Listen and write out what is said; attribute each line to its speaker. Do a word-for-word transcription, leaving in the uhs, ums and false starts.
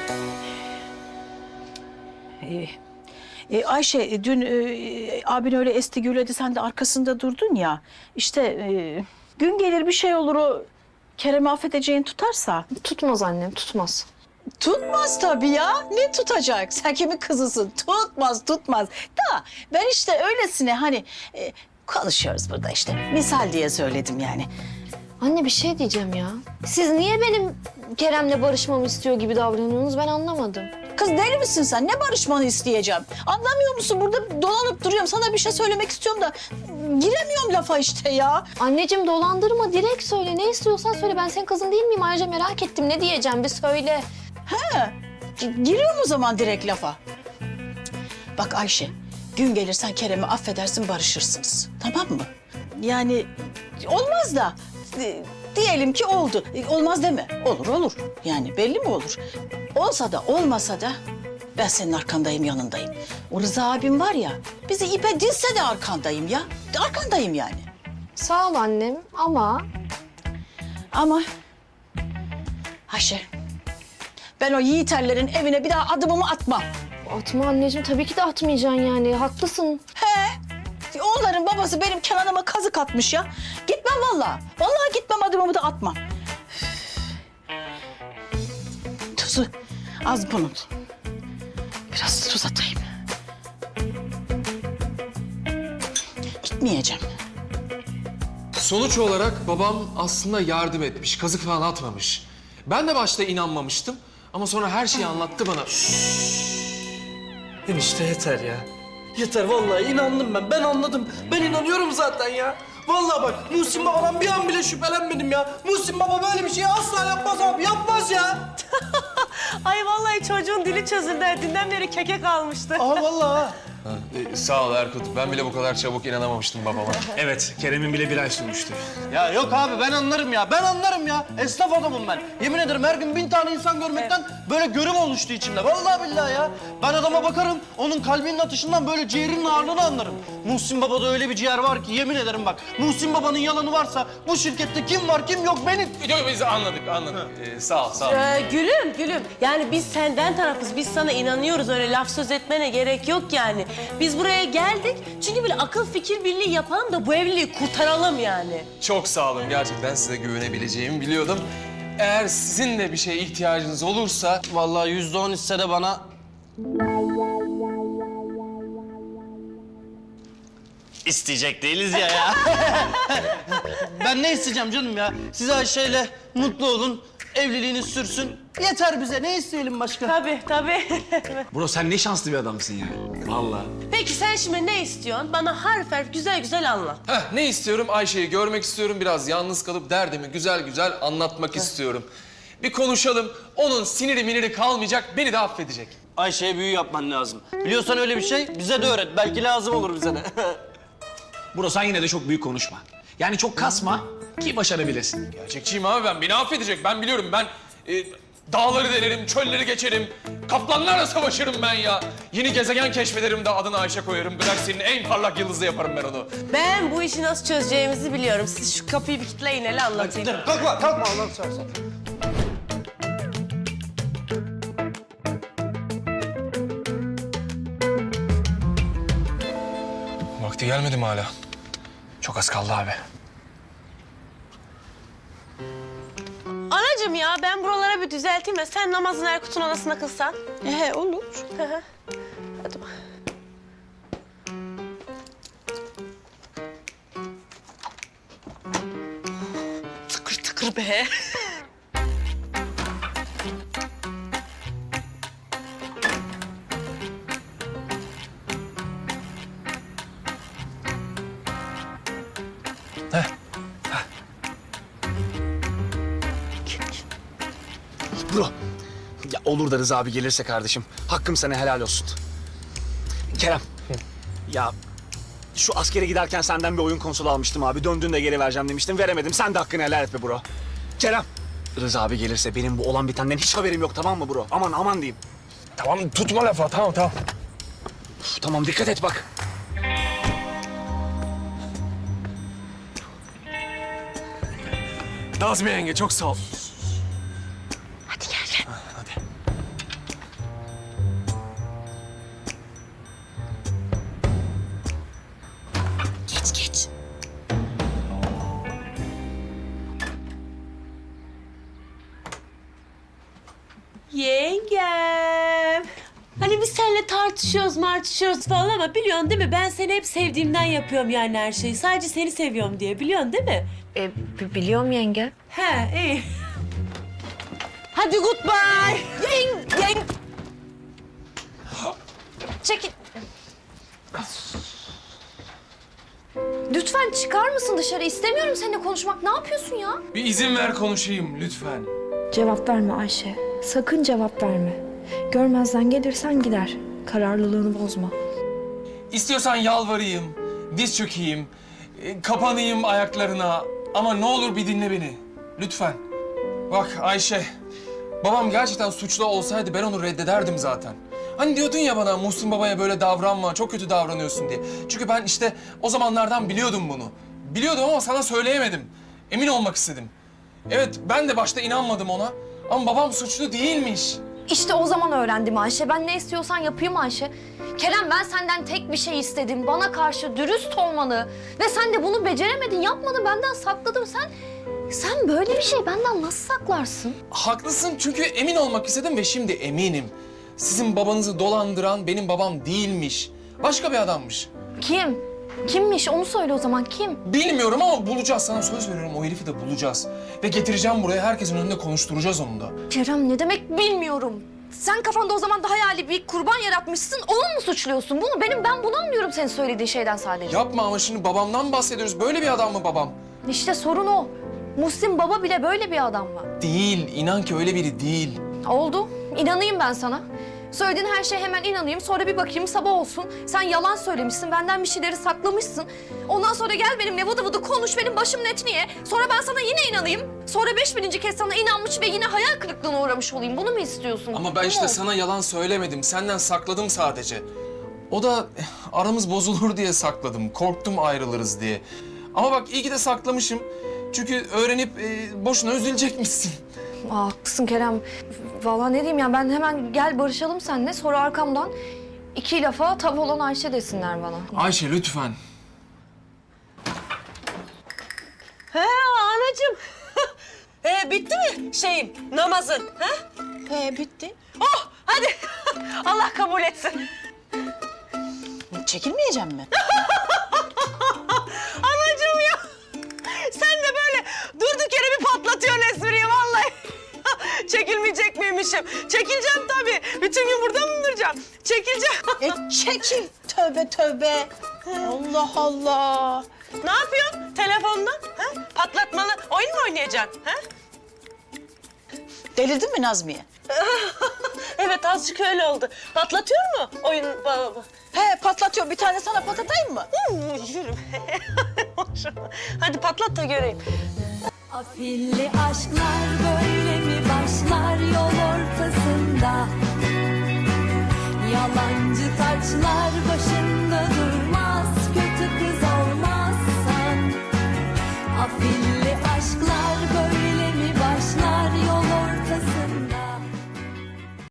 Speaker 1: Ee, e, Ayşe, dün e, abin öyle esti gürledi, sen de arkasında durdun ya. İşte e, gün gelir bir şey olur, o Kerem'i affedeceğin tutarsa.
Speaker 2: Tutmaz annem, tutmaz.
Speaker 1: Tutmaz tabii ya. Ne tutacak? Sen kimin kızısın? Tutmaz, tutmaz. Da ben işte öylesine hani e, konuşuyoruz burada işte. Misal diye söyledim yani.
Speaker 2: Anne bir şey diyeceğim ya. Siz niye benim Kerem'le barışmamı istiyor gibi davranıyorsunuz ben anlamadım.
Speaker 1: Kız deli misin sen? Ne barışmanı isteyeceğim? Anlamıyor musun? Burada dolanıp duruyorum. Sana bir şey söylemek istiyorum da giremiyorum lafa işte ya.
Speaker 2: Anneciğim dolandırma, direkt söyle. Ne istiyorsan söyle. Ben senin kızın değil miyim? Ayrıca merak ettim. Ne diyeceğim bir söyle.
Speaker 1: He, giriyorum o zaman direkt lafa. Bak Ayşe, gün gelirsen Kerem'i affedersin, barışırsınız. Tamam mı? Yani olmaz da e, diyelim ki oldu. E, olmaz deme. Olur olur. Yani belli mi olur? Olsa da olmasa da ben senin arkandayım, yanındayım. O Rıza abim var ya, bizi ipe dizse de arkandayım ya. Arkandayım yani.
Speaker 2: Sağ ol annem ama...
Speaker 1: Ama Ayşe, ben o yiğiterlerin evine bir daha adımımı atmam.
Speaker 2: Atma anneciğim. Tabii ki de atmayacaksın yani. Haklısın.
Speaker 1: He. Onların babası benim Kenan'ıma kazık atmış ya. Gitmem vallahi. Vallahi gitmem, adımımı da atmam. Tuzu az bunun. Biraz tuz atayım. Gitmeyeceğim.
Speaker 3: Sonuç olarak babam aslında yardım etmiş, kazık falan atmamış. Ben de başta inanmamıştım ama sonra her şeyi anlattı bana.
Speaker 4: Enişte yeter ya. Yeter vallahi inandım ben. Ben anladım. Ben inanıyorum zaten ya. Vallahi bak Muhsin Baba'dan bir an bile şüphelenmedim ya. Muhsin Baba böyle bir şeyi asla yapmaz abi. Yapmaz ya.
Speaker 5: Ay vallahi çocuğun dili çözüldü. Dünden beri keke kalmıştı.
Speaker 4: Aa vallahi ha.
Speaker 3: Ee, sağ ol Erkut. Ben bile bu kadar çabuk inanamamıştım babama.
Speaker 6: Evet, Kerem'in bile bir ay sürmüştü.
Speaker 4: Ya yok abi ben anlarım ya. Ben anlarım ya. Esnaf adamım ben. Yemin ederim her gün bin tane insan görmekten böyle görüm oluştu içimde. Vallahi billahi ya. Ben adama bakarım. Onun kalbinin atışından böyle ciğerinin ağırlığını anlarım. Muhsin Baba'da öyle bir ciğer var ki yemin ederim bak. Muhsin Baba'nın yalanı varsa bu şirkette kim var kim yok benim.
Speaker 3: Yok biz anladık, anladık. Ee, sağ ol, sağ ol.
Speaker 5: Ee, gülüm, gülüm. Yani biz senden tarafız. Biz sana inanıyoruz. Öyle laf söz etmene gerek yok yani. Biz buraya geldik. Çünkü böyle akıl fikir birliği yapalım da bu evliliği kurtaralım yani.
Speaker 3: Çok sağ olun. Gerçekten size güvenebileceğimi biliyordum. Eğer sizin de bir şeye ihtiyacınız olursa...
Speaker 4: Vallahi yüzde on hisse de bana... İsteyecek değiliz ya ya. Ben ne isteyeceğim canım ya? Siz Ayşe'yle mutlu olun, evliliğiniz sürsün. Yeter bize, ne isteyelim başka?
Speaker 5: Tabii, tabii.
Speaker 6: Bro sen ne şanslı bir adamsın ya. Vallahi.
Speaker 5: Peki sen şimdi ne istiyorsun? Bana harf harf güzel güzel anlat.
Speaker 3: Heh, ne istiyorum? Ayşe'yi görmek istiyorum. Biraz yalnız kalıp derdimi güzel güzel anlatmak istiyorum. Bir konuşalım. Onun siniri miniri kalmayacak, beni de affedecek.
Speaker 4: Ayşe'ye büyü yapman lazım. Biliyorsan öyle bir şey, bize de öğret. Belki lazım olur bize de.
Speaker 6: Bro sen yine de çok büyük konuşma. Yani çok kasma ki başarabilirsin.
Speaker 3: Gerçekçiyim abi ben. Beni affedecek. Ben biliyorum. Ben e, dağları delerim, çölleri geçerim. Kaplanlarla savaşırım ben ya. Yeni gezegen keşfederim de adını Ayşe koyarım. Galaksinin en parlak yıldızı yaparım ben onu.
Speaker 5: Ben bu işi nasıl çözeceğimizi biliyorum. Siz şu kapıyı bir kitleyin hele anlatayım.
Speaker 4: Kalkma, kalkma Allah'ını seversen.
Speaker 3: Vakti gelmedi mi hala?
Speaker 6: Çok az kaldı abi.
Speaker 5: Anacığım ya ben buralara bir düzelteyim de sen namazını Erkut'un anasına kılsan.
Speaker 1: He, olur.
Speaker 5: Hı hı. Hadi bak.
Speaker 1: Tıkır tıkır be.
Speaker 6: Bro. Ya olur da Rıza abi gelirse kardeşim. Hakkım sana helal olsun. Kerem. Ya şu askere giderken senden bir oyun konsolu almıştım abi. Döndüğünde geri vereceğim demiştim. Veremedim. Sen de hakkını helal et be bro. Kerem. Rıza abi gelirse benim bu olan bitenden hiç haberim yok tamam mı bro? Aman aman diyeyim.
Speaker 3: Tamam tutma lafa. Tamam tamam.
Speaker 6: Uf, tamam dikkat et bak.
Speaker 3: Nazmiye yenge çok sağ ol.
Speaker 5: Hadi gel gel.
Speaker 3: Hadi.
Speaker 5: Yengem. Hani biz seninle tartışıyoruz martışıyoruz falan ama biliyorsun değil mi? Ben seni hep sevdiğimden yapıyorum yani her şeyi. Sadece seni seviyorum diye biliyorsun değil mi?
Speaker 2: E, b- biliyorum yenge.
Speaker 5: He iyi. Hadi goodbye.
Speaker 2: Yeng, yeng. Çekil. Lütfen çıkar mısın dışarı? İstemiyorum seninle konuşmak. Ne yapıyorsun ya?
Speaker 3: Bir izin ver konuşayım lütfen.
Speaker 7: Cevap verme Ayşe. Sakın cevap verme. Görmezden gelirsen gider. Kararlılığını bozma.
Speaker 3: İstiyorsan yalvarayım, diz çökeyim, e, kapanayım ayaklarına. Ama ne olur bir dinle beni. Lütfen. Bak Ayşe, babam gerçekten suçlu olsaydı ben onu reddederdim zaten. Hani diyordun ya bana Muhsin babaya böyle davranma, çok kötü davranıyorsun diye. Çünkü ben işte o zamanlardan biliyordum bunu. Biliyordum ama sana söyleyemedim. Emin olmak istedim. Evet, ben de başta inanmadım ona. Ama babam suçlu değilmiş.
Speaker 2: İşte o zaman öğrendim Ayşe. Ben ne istiyorsan yapayım Ayşe. Kerem ben senden tek bir şey istedim. Bana karşı dürüst olmanı. Ve sen de bunu beceremedin, yapmadın. Benden sakladın. Sen, sen böyle bir şey benden nasıl saklarsın?
Speaker 3: Haklısın çünkü emin olmak istedim ve şimdi eminim. Sizin babanızı dolandıran benim babam değilmiş. Başka bir adammış.
Speaker 2: Kim? Kimmiş? Onu söyle o zaman. Kim?
Speaker 3: Bilmiyorum ama bulacağız. Sana söz veriyorum o herifi de bulacağız. Ve getireceğim buraya herkesin önünde konuşturacağız onu da.
Speaker 2: Kerem ne demek bilmiyorum. Sen kafanda o zaman da hayali bir kurban yaratmışsın. Onu mu suçluyorsun? Bunu benim ben bunu anlıyorum senin söylediğin şeyden sadece.
Speaker 3: Yapma ama şimdi babamdan bahsediyoruz. Böyle bir adam mı babam?
Speaker 2: İşte sorun o. Muhsin baba bile böyle bir adam mı?
Speaker 3: Değil. İnan ki öyle biri değil.
Speaker 2: Oldu. İnanayım ben sana. Söylediğin her şeye hemen inanayım. Sonra bir bakayım sabah olsun. Sen yalan söylemişsin. Benden bir şeyleri saklamışsın. Ondan sonra gel benimle vıdı vıdı konuş. Benim başımın etini ye. Sonra ben sana yine inanayım. Sonra beş bininci kez sana inanmış ve yine hayal kırıklığına uğramış olayım. Bunu mu istiyorsun?
Speaker 3: Ama ben
Speaker 2: Bu
Speaker 3: işte
Speaker 2: mu?
Speaker 3: sana yalan söylemedim. Senden sakladım sadece. O da eh, aramız bozulur diye sakladım. Korktum ayrılırız diye. Ama bak iyi ki de saklamışım. Çünkü öğrenip eh, boşuna üzülecekmişsin.
Speaker 2: Aa, haklısın Kerem. Vallahi ne diyeyim ya ben hemen gel barışalım seninle. Sonra arkamdan iki lafa tav olan Ayşe desinler bana.
Speaker 3: Ayşe lütfen.
Speaker 5: He anacığım. He bitti mi şeyin namazın? He?
Speaker 1: He bitti.
Speaker 5: Oh hadi. Allah kabul etsin.
Speaker 1: Çekilmeyeceğim mi?
Speaker 5: Anacığım ya. Sen de böyle durduk yere bir patlatıyorsun espriyi vallahi. Çekilmeyecek miymişim? Çekileceğim tabii. Bütün gün burada mı duracağım? Çekileceğim.
Speaker 1: E çekil. Tövbe tövbe. Allah Allah.
Speaker 5: Ne yapıyorsun telefonda? Ha? Patlatmalı oyun mu oynayacaksın? Ha?
Speaker 1: Delirdin mi Nazmiye?
Speaker 5: Evet azıcık öyle oldu. Patlatıyor mu oyun babamı?
Speaker 1: He patlatıyor. Bir tane sana patlatayım mı?
Speaker 5: Yürü. Hadi patlat da göreyim.
Speaker 8: Afilli aşklar böyle mi başlar yol ortasında? Yalancı taçlar